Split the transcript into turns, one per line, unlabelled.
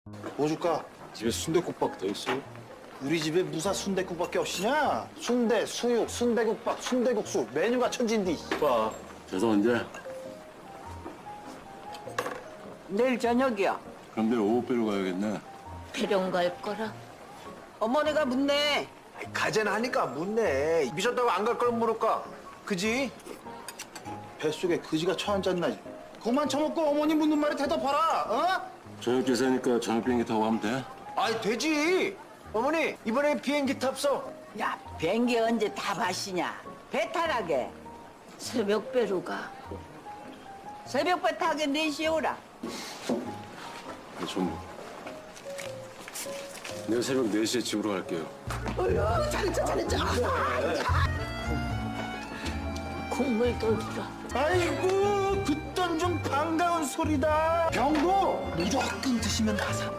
뭐 줄까?
집에 순댓국밥 더 있어?
우리 집에 무사 순댓국밖에 없이냐? 순대, 수육, 순대국밥, 순대국수 메뉴가 천진디.
오빠, 재서 언제?
내일 저녁이야.
그럼 내일 오후배로 가야겠네.
배령 갈 거라.
어머니가 묻네.
가재나 하니까 묻네. 미쳤다고 안 갈 걸 물을까? 그지?
뱃속에 그지가 처앉았나. 그만 처먹고 어머니 묻는 말에 대답하라. 어?
저녁 제사니까 저녁 비행기 타고 가면 돼?
아이 되지. 어머니 이번에 비행기 탑소.
야, 비행기 언제 다 마시냐? 배 타라게.
새벽 배로 가.
새벽배 타게 4시에 오라.
좀. 내일 새벽 4시에 집으로 갈게요.
국물 돌리라.
아이고 듣던 중 반가운 소리다. 병도 무조건 드시면 가사.